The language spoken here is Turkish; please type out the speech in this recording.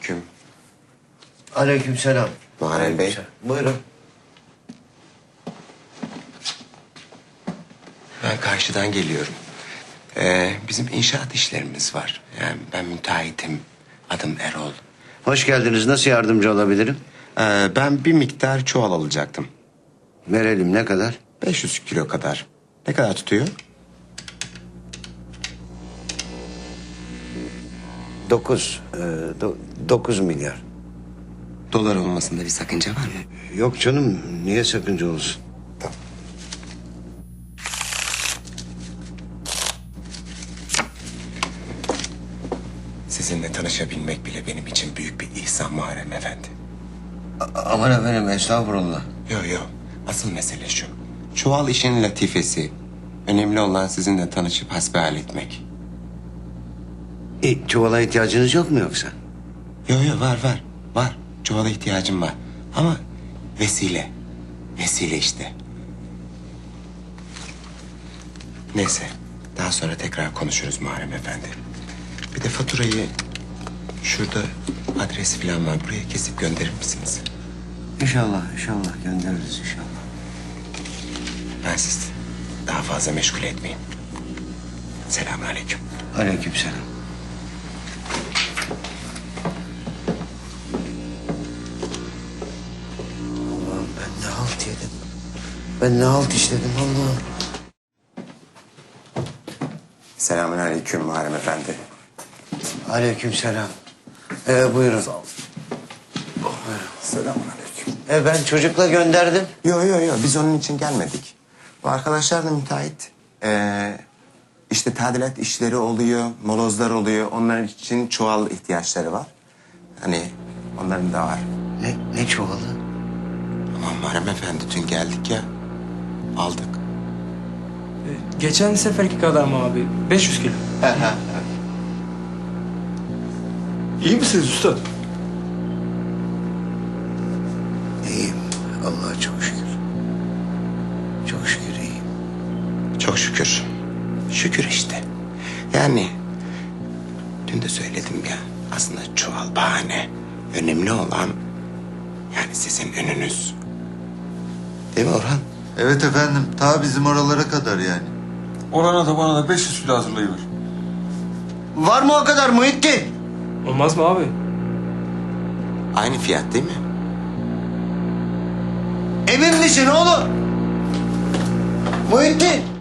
Selamünaleyküm. Aleykümselam. Muharrem Bey. Buyurun. Ben karşıdan geliyorum. Bizim inşaat işlerimiz var. Yani ben müteahhitim. Adım Erol. Hoş geldiniz. Nasıl yardımcı olabilirim? Ben bir miktar çuval alacaktım. Verelim, ne kadar? 500 kilo kadar. Ne kadar tutuyor? 9 milyar. Dolar olmasında bir sakınca var mı? Yok canım, niye sakınca olsun? Tamam. Sizinle tanışabilmek bile benim için büyük bir ihsan Muharrem Efendi. Aman efendim, estağfurullah. Yo. Asıl mesele şu. Çuval işin latifesi. Önemli olan sizinle tanışıp hasbihal etmek. Çuvala ihtiyacınız yok mu yoksa? Yo var. Var. Çuvala ihtiyacım var. Ama vesile. Vesile işte. Neyse. Daha sonra tekrar konuşuruz Muharrem Efendi. Bir de faturayı şurada adresi falan var. Buraya kesip gönderir misiniz? İnşallah göndeririz inşallah. Ben sizi daha fazla meşgul etmeyeyim. Selamünaleyküm. Aleykümselam. Allah'ım, ben ne halt yedim. Ben ne halt işledim Allah'ım. Selamünaleyküm Muharrem Efendi. Aleykümselam. Buyurun. Selamünaleyküm. Ben çocukla gönderdim. Yo. Biz onun için gelmedik. Bu arkadaşlar da müteahhit. İşte tadilat işleri oluyor, molozlar oluyor. Onlar için çuval ihtiyaçları var. Hani onların da var. Ne çuvalı? Aman Muharrem Efendi dün geldik ya. Aldık. Geçen seferki kadar mı abi? 500 kilo. İyi misiniz üstad? İyiyim. Allah'a çok şükür. Çok şükür iyiyim. Çok şükür. Şükür işte. Yani dün de söyledim ya. Aslında çuval bahane. Önemli olan yani sizin önünüz. Değil mi Orhan? Evet efendim, ta bizim oralara kadar yani. Orana da bana da 500 kilo hazırlayıver. Var mı o kadar Muhittin? Olmaz mı abi? Aynı fiyat değil mi? Emin misin oğlum? Muhittin.